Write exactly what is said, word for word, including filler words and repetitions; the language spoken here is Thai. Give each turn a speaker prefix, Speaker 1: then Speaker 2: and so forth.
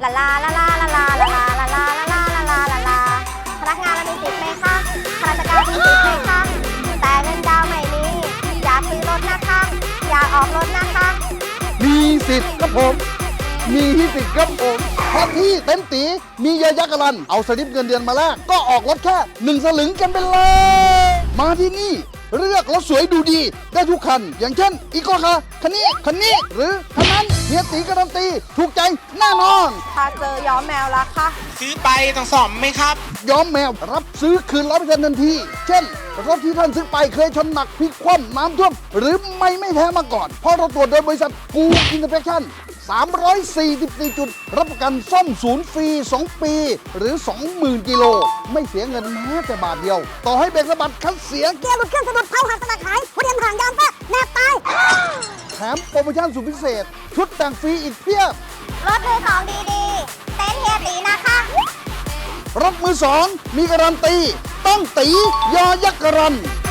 Speaker 1: ลาลาลาลาลาลาลาลาลาลาลาลาลาลาลาลาพนักงานเรามีสิทธิ์ไหมคะข้าราชการมีสิทธิ์ไหมคะแต่เงินดาวไม่มีอยากซื้อรถนะคะอยากออกรถนะคะ
Speaker 2: มีสิทธิ์ครับผม มีสิทธิ์ครับผมเพราะที่เต็มตีมีเยอะยักษ์กรันเอาสลิปเงินเดือนมาแลกก็ออกรถแค่หนึ่งสลึงกันไปเลย มาที่นี่เลือกรถสวยดูดีได้ทุกคัน อย่างเช่นอีโก้คาร์คันนี้คันนี้หรือคันนั้นเฮียตีการันตีถูกใจแน่นอน
Speaker 1: ถ้าเจอย้อมแมวละคะ
Speaker 3: ซื้อไปต้องซ่อมไหมครับ
Speaker 2: ย้อมแมวรับซื้อคืนร้อยเปอร์เซ็นต์ทันที เช่น รถที่ท่านซื้อไปเคยชนหนักพลิกคว่ำน้ำท่วมหรือไม่ไม่แท้มาก่อน เพราะเราตรวจโดยบริษัทกูอินเตอร์เฟคชั่นสามร้อยสี่สิบสี่จุดรับประกันซ่อมศูนย์ฟรีสองปีหรือ สองหมื่น กิโลไม่เสียเงินแม้แต่บาทเดียว ต่อให้เบรกสะบัดคันเสีย
Speaker 1: เกียร์หลุดเครื่องสะดุดเผาหักสลักหายหัวเดียนห่างยางแตกแนบตาย
Speaker 2: แถมโปรโมชั่นสุดพิเศษ ชุดแต่งฟรีอีกเพียบ
Speaker 1: รถมือของดีๆเต้นเฮียตีนะคะ
Speaker 2: รถมือสองมีการันตีต้องตียอยักษ์การัน